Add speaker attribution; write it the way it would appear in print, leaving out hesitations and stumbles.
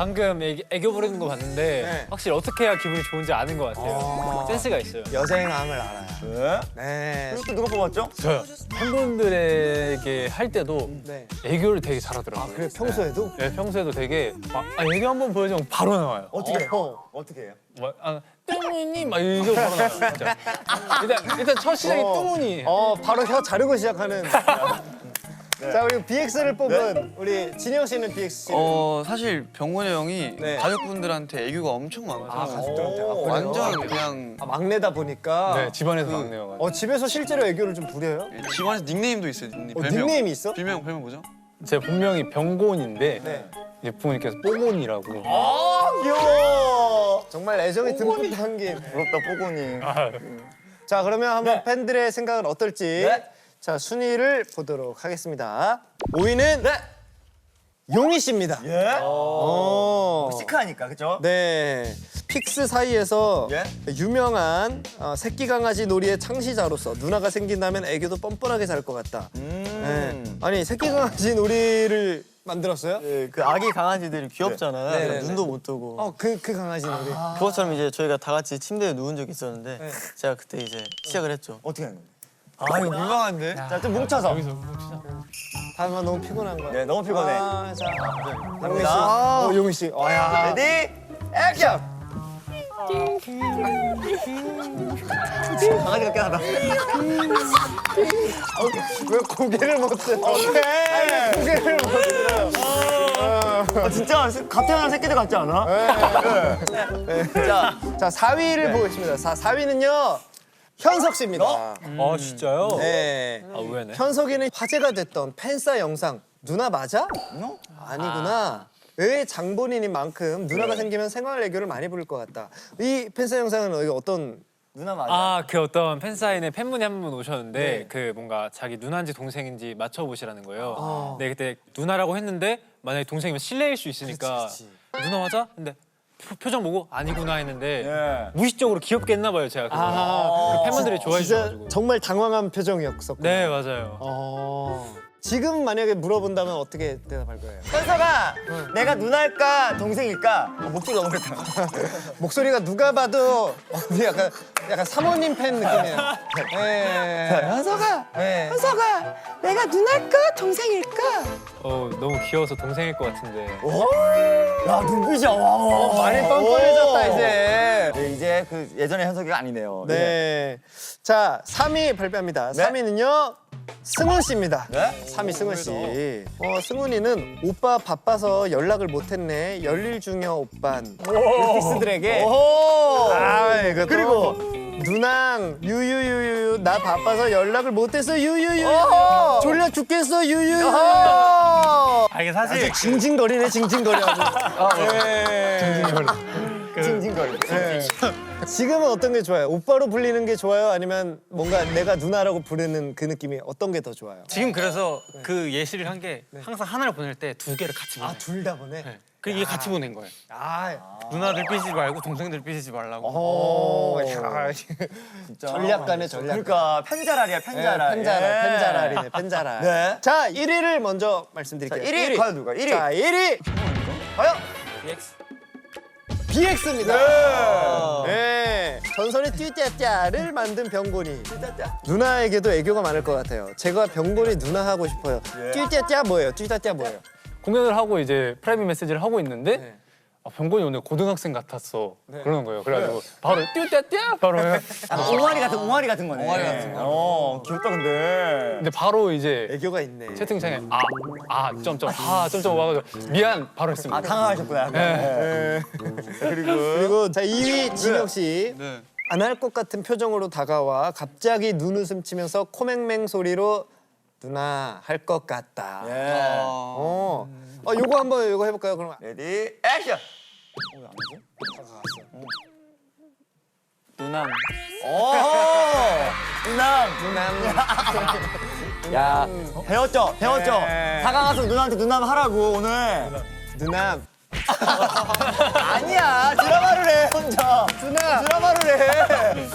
Speaker 1: 방금 애교 부리는 거 봤는데
Speaker 2: 네.
Speaker 1: 확실히 어떻게 해야 기분이 좋은지 아는 것 같아요. 센스가 있어요.
Speaker 2: 여생함을 알아요.
Speaker 3: 네.
Speaker 2: 네.
Speaker 3: 그리고 또 누가 뽑았죠?
Speaker 1: 저요. 팬분들에게 할 때도
Speaker 2: 네.
Speaker 1: 애교를 되게 잘하더라고요.
Speaker 2: 그래 평소에도?
Speaker 1: 네, 평소에도 되게 애교 한번 보여주면 바로 나와요.
Speaker 3: 어떻게 해요? 어떻게 해요?
Speaker 1: 뚱무니 막 이거 바로 나와요. 진짜. 일단 첫 시작이 뚱무니.
Speaker 2: 바로 혀 자르고 시작하는. 자, 우리 BX를 뽑은 우리 진영 씨는 BX 씨.
Speaker 4: 사실 병원이 형이
Speaker 2: 네.
Speaker 4: 가족분들한테 애교가 엄청 많아서
Speaker 2: 가족들한테.
Speaker 4: 완전 그냥
Speaker 2: 막내다 보니까.
Speaker 1: 네, 집안에서 막내여가지고.
Speaker 2: 집에서 실제로 애교를 좀 부려요?
Speaker 4: 집안에서 닉네임도 있어요. 닉네임.
Speaker 2: 닉네임이 있어?
Speaker 4: 별명 뭐죠?
Speaker 1: 제 본명이 병곤인데
Speaker 2: 네.
Speaker 1: 이제 부모님께서 뽀곤이라고.
Speaker 3: 귀여워.
Speaker 2: 정말 애정이 듬뿍 담긴.
Speaker 3: 부럽다 뽀고니.
Speaker 2: 자, 그러면 한번
Speaker 3: 네.
Speaker 2: 팬들의 생각은 어떨지.
Speaker 3: 네.
Speaker 2: 자, 순위를 보도록 하겠습니다. 5위는 용희 씨입니다.
Speaker 3: 예.
Speaker 2: 어.
Speaker 3: 시크하니까 그죠?
Speaker 2: 네. 픽스 사이에서
Speaker 3: 예?
Speaker 2: 유명한 새끼 강아지 놀이의 창시자로서 누나가 생긴다면 애교도 뻔뻔하게 잘 것 같다. 네. 아니, 새끼 강아지 놀이를 만들었어요?
Speaker 5: 네, 그 아기 강아지들이 귀엽잖아요.
Speaker 2: 네.
Speaker 5: 그래서 눈도 못 뜨고.
Speaker 2: 그 강아지 놀이.
Speaker 5: 그것처럼 이제 저희가 다 같이 침대에 누운 적이 있었는데
Speaker 2: 네.
Speaker 5: 제가 그때 이제 시작을 했죠.
Speaker 3: 어떻게 하는 건데?
Speaker 5: 아 이거 민망한데?
Speaker 3: 자, 좀 뭉쳐서.
Speaker 2: 다만 너무 피곤한 거야.
Speaker 3: 네, 너무 피곤해.
Speaker 2: 자, 당민 씨.
Speaker 3: 갑니다.
Speaker 2: 용희 씨. 야.
Speaker 3: 레디 액션. 강아지 같긴 하다.
Speaker 2: 왜 고개를 못 들어? 오케이. 고개를 못 들어.
Speaker 3: 진짜 갓 태어난 새끼들 같지 않아?
Speaker 2: 자, 4위를 보겠습니다. 4위는요. 현석 씨입니다.
Speaker 1: 아 진짜요?
Speaker 2: 네.
Speaker 1: 의외네.
Speaker 2: 현석이는 화제가 됐던 팬싸 영상 누나 맞아? 아니구나. 의 장본인인 만큼 누나가 생기면 생활 애교를 많이 부릴 것 같다. 이 팬싸 영상은 어떤?
Speaker 3: 누나 맞아.
Speaker 1: 그 어떤 팬사인회 팬분이 한 분 오셨는데
Speaker 2: 네.
Speaker 1: 그 뭔가 자기 누나인지 동생인지 맞춰보시라는 거예요. 네, 그때 누나라고 했는데 만약에 동생이면 실례일 수 있으니까 누나 맞아? 근데 표정 보고 아니구나 했는데
Speaker 3: 예.
Speaker 1: 무의식적으로 귀엽게 했나 봐요, 제가. 그 팬분들이 좋아해
Speaker 2: 진짜
Speaker 1: 주셔가지고.
Speaker 2: 정말 당황한 표정이었었고.
Speaker 1: 네, 맞아요.
Speaker 2: 지금 만약에 물어본다면 어떻게 대답할 거예요?
Speaker 3: 현석아, 내가 누나일까 동생일까? 목소리 너무 그랬다.
Speaker 2: 목소리가 누가 봐도 언니 약간 사모님 팬 느낌이에요. 네.
Speaker 3: 현석아,
Speaker 2: 현석아, 내가 누나일까 동생일까?
Speaker 1: 너무 귀여워서 동생일 것 같은데.
Speaker 3: 야 눈빛이 와.
Speaker 2: 많이 뻔뻔해졌다 이제.
Speaker 3: 네, 이제 그 예전의 현석이가 아니네요.
Speaker 2: 네. 자, 3위 발표합니다.
Speaker 3: 네?
Speaker 2: 3위는요. 승훈 씨입니다.
Speaker 3: 네?
Speaker 2: 3위 승훈 씨. 승훈이는 오빠 바빠서 연락을 못했네. 열일 중이야 오빤. 빅스들에게.
Speaker 3: 오호.
Speaker 2: 이거 그리고 누낭 유유유유 나 바빠서 연락을 못했어 유유유. 졸려 죽겠어 유유유.
Speaker 1: 이게 사실
Speaker 2: 징징거리네 징징거려.
Speaker 3: 징징거리.
Speaker 2: 지금은 어떤 게 좋아요? 오빠로 불리는 게 좋아요? 아니면 뭔가 내가 누나라고 부르는 그 느낌이 어떤 게 더 좋아요?
Speaker 6: 지금 그래서 그 예시를 한 게 항상 하나를 보낼 때 두 개를 같이 보내.
Speaker 2: 둘 다 보내?
Speaker 6: 네. 그 이게 같이 보낸 거예요. 누나들 삐지지 말고 동생들 삐지지 말라고.
Speaker 2: 전략가네 전략가.
Speaker 3: 그러니까 펜자랄이야 펜자랄.
Speaker 2: 펜자랄이네 펜자랄.
Speaker 3: 네.
Speaker 2: 자 1위를 먼저 말씀드릴게요.
Speaker 3: 자, 1위 과연 누가? 1위.
Speaker 2: 자 1위
Speaker 3: 과연?
Speaker 2: BX입니다. 네. 전설의 띠짜짜를 만든 병곤이. 누나에게도 애교가 많을 것 같아요. 제가 병곤이 누나 하고 싶어요. 띠짜짜 뭐예요? 띠짜짜 뭐예요?
Speaker 1: 공연을 하고 이제 프라이빗 메시지를 하고 있는데 병곤이 오늘 고등학생 같았어 그러는 거예요. 그래가지고 바로 띠띠띠 바로 해요.
Speaker 3: 옹알이 같은 거네. 옹알이 같은 거. 귀엽다 근데.
Speaker 1: 근데 바로 이제
Speaker 2: 애교가 있네.
Speaker 1: 채팅창에 점점 와가지고 미안 바로 했습니다.
Speaker 3: 당황하셨구나.
Speaker 1: 네.
Speaker 2: 그리고 자 2위 진혁 씨.
Speaker 4: 네.
Speaker 2: 안 할 것 같은 표정으로 다가와 갑자기 눈웃음 치면서 코맹맹 소리로 누나 할 것 같다. 요거 한번 요거 해볼까요? 그럼
Speaker 3: 레디 액션.
Speaker 6: 누나.
Speaker 3: 누남. 야 배웠죠. 다가가서 누나한테 누남 하라고 오늘.
Speaker 2: 누나
Speaker 3: 아니야 드라마를 해 혼자. 드라마를 해.